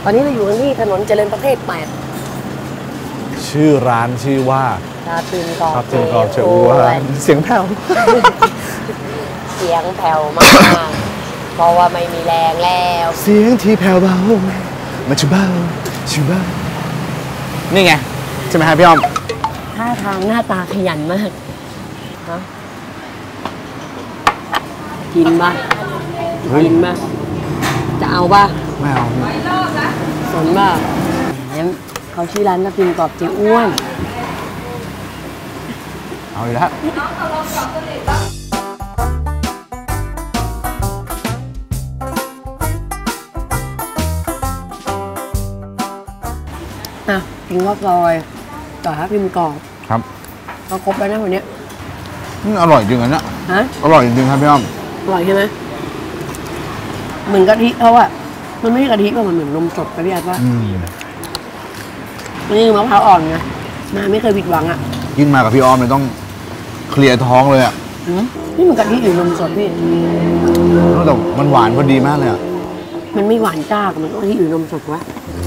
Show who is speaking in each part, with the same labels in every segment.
Speaker 1: อนนี้เราอยู่ที่ถนนเจริญประเทศ8
Speaker 2: ชื่อร้านชื่อว่า
Speaker 1: ชาตื่นกอบ
Speaker 2: เจ้าอ้วนเสียงแผ่ว
Speaker 1: เสียงแผ่วมาก เพราะว่าไม่มีแรงแล้ว
Speaker 2: เสียงที่แผ่วเบามาชูเบาชูเบานี่ไงใช่ไหมฮะพี่อ้อม
Speaker 1: ท่าทางหน้าตาขยันมากฮะกินป่ะกินป่ะจะเอาป่ะ
Speaker 2: ไม่เอา
Speaker 1: สนป่ะเขาชื่อร้านทับทิมกรอบเจ๊อ้วน
Speaker 2: เอาอีกแล้ว
Speaker 1: กินข้าวซอยต่อทับทิมกรอบ
Speaker 2: ครับ
Speaker 1: เราครบแล้วนะวันนี้
Speaker 2: อร่อยจริงนะฮะอร่อยจริงครับพี่อ้อม
Speaker 1: อร่อยใช่ไหมเหมือนกะทิเขาอะมันไม่ใช่กะทิป่ะมันเหมือนนมสดกะทิป่ะนี่มะพร้าวอ่อนไงมาไม่เคยผิดหวังอ่ะ
Speaker 2: ยิ่งมากับพี่อ้อมเลยต้องเคลียร์ท้องเลยอ่ะ
Speaker 1: นี่มันกะทิหรือนมสดพี่
Speaker 2: แต่มันหวานพอดีมากเลยอ่ะ
Speaker 1: มันไม่หวานจ้ากับมันกะทิหรือนมสดวะ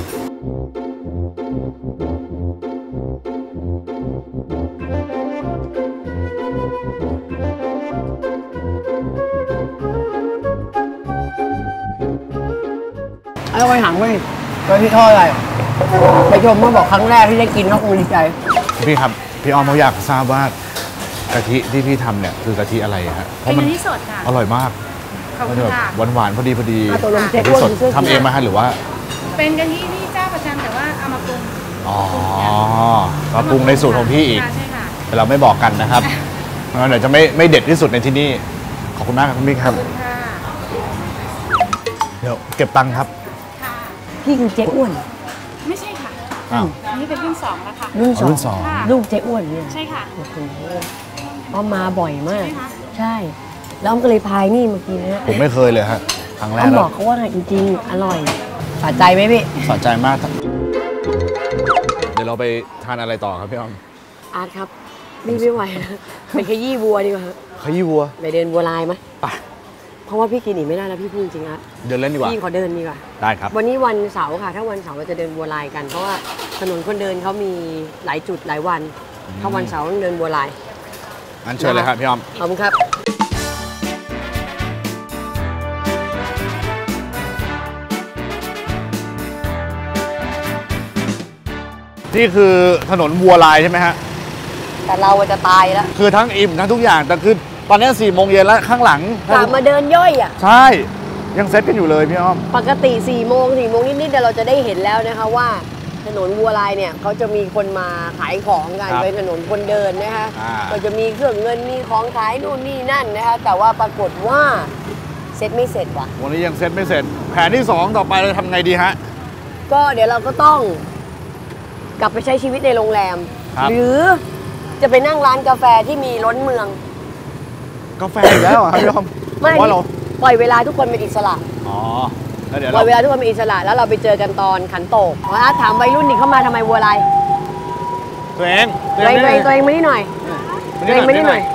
Speaker 1: ไอ้ไปถามว่ากะทิทอดอะไรไปชมเมื่อบอกครั้งแรกที่ได้กินก็คงดีใจ
Speaker 2: พี่ครับพี่อ้อมเขาอยากทราบว่ากะทิที่พี่ทำเนี่ยคือกะทิอะไรฮะ
Speaker 3: เป็นกะทิสดค่ะ
Speaker 2: อร่อยมาก
Speaker 3: มันแบบ
Speaker 2: หวานพอดีกะทิสดทำเองไหมฮะหรือว่า
Speaker 3: เป็นกะทิที่เจ้าประจำแต่ว่าเอามาปรุง
Speaker 2: มาปรุงในสูตรของพี่อีก
Speaker 3: ใช่ค่ะ
Speaker 2: แต่เราไม่บอกกันนะครับเดี๋ยวจะไม่เด็ดที่สุดในที่นี่ขอบคุณมากครับคุณพี่ครับเดี๋ยวเก็บตังค์ครับ
Speaker 1: พี่คือเจ๊อ้วน
Speaker 3: ไม่ใช่ค่ะอันนี้เป็นรุ่น2แล้วค่ะ
Speaker 2: รุ่นสอง
Speaker 1: ลูกเจ๊อ้วนเนี่ย
Speaker 3: ใช่ค่ะ
Speaker 1: อ้อมมาบ่อยมากใช่แล้วอ้อมก็เลยพายนี่เมื่อกี้นะ
Speaker 2: ผมไม่เคยเลยฮะครั้งแรก
Speaker 1: อ้อมบอกเขาว่าจริงๆอร่อยสะใจไหมพี่
Speaker 2: สะใจมากเดี๋ยวเราไปทานอะไรต่อครับพี่อ้อม
Speaker 1: อาร์ตครับไม่ไหวนะไปขยี้วัวดีกว่า
Speaker 2: ขยี้วัว
Speaker 1: ไปเดินวัวลายไหมไปเพราะว่าพี่กินอีกไม่ได้แล้วพี่พูดจริงๆ
Speaker 2: เดินเล่นดีกว่า
Speaker 1: พี่ขอเดินดีกว่า
Speaker 2: ได้ครับ
Speaker 1: วันนี้วันเสาร์ค่ะถ้าวันเสาร์เราจะเดินบัวลายกันเพราะว่าถนนคนเดินเขามีหลายจุดหลายวันถ้าวันเสาร์ต้องเดินบัวลาย
Speaker 2: งั้นเชิญเลยครับพี่อ้อม
Speaker 1: ขอบคุณครับ
Speaker 2: นี่คือถนนวัวลายใช่ไหมฮะ
Speaker 1: แต่เราจะตายแล้ว
Speaker 2: คือทั้งอิ่มทั้งทุกอย่างแต่คือตอนนี้4 โมงเย็นแล้วข้างหลัง
Speaker 1: กลับมาเดินย่อยอ่ะ
Speaker 2: ใช่ยังเซ็ตกันอยู่เลยพี่อ้อม
Speaker 1: ปกติ4 โมงนิดๆเราจะได้เห็นแล้วนะคะว่าถนนวัวลายเนี่ยเขาจะมีคนมาขายของกันเป็นถนนคนเดินนะคะก็จะมีเครื่องเงินมีของขายนู่นนี่นั่นนะคะแต่ว่าปรากฏว่าเซ็ตไม่เสร็จว่ะ
Speaker 2: วันนี้ยังเซ็ตไม่เสร็จแผนที่2ต่อไปเราทำไงดีฮะ
Speaker 1: ก็เดี๋ยวเราก็ต้องกลับไปใช้ชีวิตในโรงแรมหรือจะไปนั่งร้านกาแฟที่มีล้นเมือง
Speaker 2: กาแฟอีกแล้วครับพี่อ้อม
Speaker 1: ไม่ปล่อยเวลาทุกคนเป็นอิสระ
Speaker 2: แล้วเดี๋ยว
Speaker 1: ปล่อยเวลาทุกคนเป็นอิสระแล้วเราไปเจอกันตอนขันโตกถามวัยรุ่นนี่เข้ามาทำไมวัวลาย
Speaker 2: ตัวเอง
Speaker 1: มานี่หน่อยตัวเองมานี่หน่อย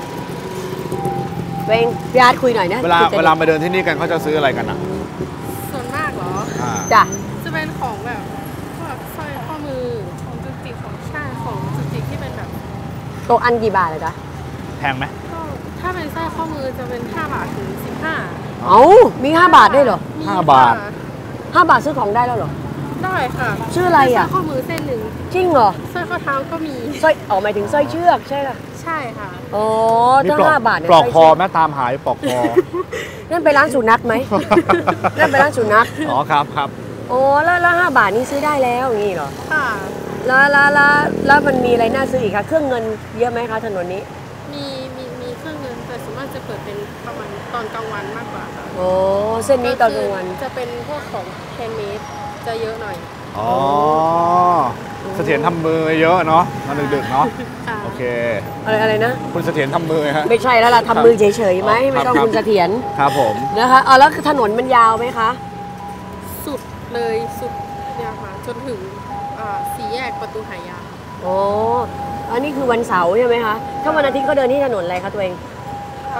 Speaker 1: ตัวเองพี่อาร์ตคุยหน่อยนะ
Speaker 2: เวลาไปเดินที่นี่กันเขาจะซื้ออะไรกันอ่ะ
Speaker 3: ส่วนมากเหรอ
Speaker 1: จ้ะ
Speaker 3: จะเป็นของแบบพวกสร้อยข้อมือของจุติของชาติของจุติที่เป็นแบบ
Speaker 1: โตอันกี่บาทเลยจ๊ะ
Speaker 2: แพงไหม
Speaker 3: ถ้าเป็นสร้อยข้อมือจะเป็น5 บาทถึง15
Speaker 1: เอ้ามี5 บาทได้เหรอ
Speaker 2: 5 บาท
Speaker 1: 5 บาทซื้อของได้แล้วเหรอ
Speaker 3: ได้ค่ะ
Speaker 1: ชื่ออะไรอ่ะ
Speaker 3: สร้อยข้อมือเส้นหนึ่ง
Speaker 1: จริงเหรอ
Speaker 3: สร้อยข้อเท้าก็มี
Speaker 1: สร้อยหมายถึงสร้อยเชือกใช่ค่ะ
Speaker 3: ใช่ค่ะ
Speaker 1: อ๋อถ้า5 บาท
Speaker 2: เนี่ยปลอกคอแม่ตามหายปลอกคอ
Speaker 1: นั่นไปร้านสุนัขไหมนั่นไปร้านสุนัข
Speaker 2: อ๋อครับ
Speaker 1: โอ้แล้ว5 บาทนี้ซื้อได้แล้วอย่างนี้เหรอ
Speaker 3: ค่ะ
Speaker 1: แล้วมันมีอะไรน่าซื้ออีกคะเครื่องเงินเยอะไหมคะถนนนี้
Speaker 3: มีเครื่องเงินแต่ส่วนมากจะเปิดเป็นประมาณตอนกลางวันมากกว่าค่ะ
Speaker 1: โอ้เส้นนี้ตอนกลางวัน
Speaker 3: จะเป็นพวกของแฮนด์เมดจะเยอะหน่อย
Speaker 2: อ๋อเสถียรทำมือเยอะเนาะมาดึกๆเนาะโอเค
Speaker 1: อะไรนะ
Speaker 2: คุณเสถียรทำมือฮะ
Speaker 1: ไม่ใช่แล้วล่ะทำมือเฉยๆไหมไม่ต้องคุณเสถียร
Speaker 2: ครับผม
Speaker 1: นะคะแล้วถนนมันยาวไหมคะ
Speaker 3: สุดเลยสุดเนี่ยค่ะจนถึง4 แยกประตูหายา
Speaker 1: โอ้อันนี้คือวันเสาร์ใช่ไหมคะถ้าวันอาทิตย์เขาเดินที่ถนนอะไรคะตัวเอง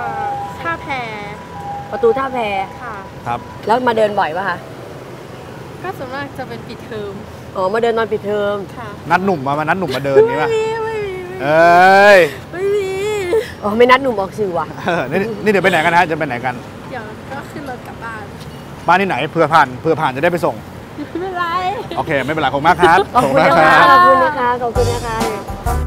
Speaker 3: ท่าแพ
Speaker 1: ประตูท่าแพ
Speaker 3: ค่ะ
Speaker 2: ครับ
Speaker 1: แล้วมาเดินบ่อยป่ะคะ
Speaker 3: ก็ส่วนมากจะเป็นปิดเทอม
Speaker 1: อ๋อมาเดินตอนปิดเทอม
Speaker 3: ค่ะ
Speaker 2: นัดหนุ่มมานัดหนุ่มมาเดินนี้ป่ะ
Speaker 3: ไม่มี
Speaker 2: เอ้ย
Speaker 3: ไม่มี
Speaker 1: อ๋อไม่นัดหนุ่มออกสื่อว่ะ
Speaker 2: นี่เดี๋ยวไปไหนกันฮะจะไปไหนกัน
Speaker 3: เดี๋ยวก็ขึ้นรถกลับบ้าน
Speaker 2: บ้านที่ไหนเผื่อผ่านจะได้ไปส่ง
Speaker 3: ไม่เป็นไร
Speaker 2: โอเค ไม่เป็นไรขอบคุณมากครับ
Speaker 1: ขอบคุณนะคะขอบคุณนะคะ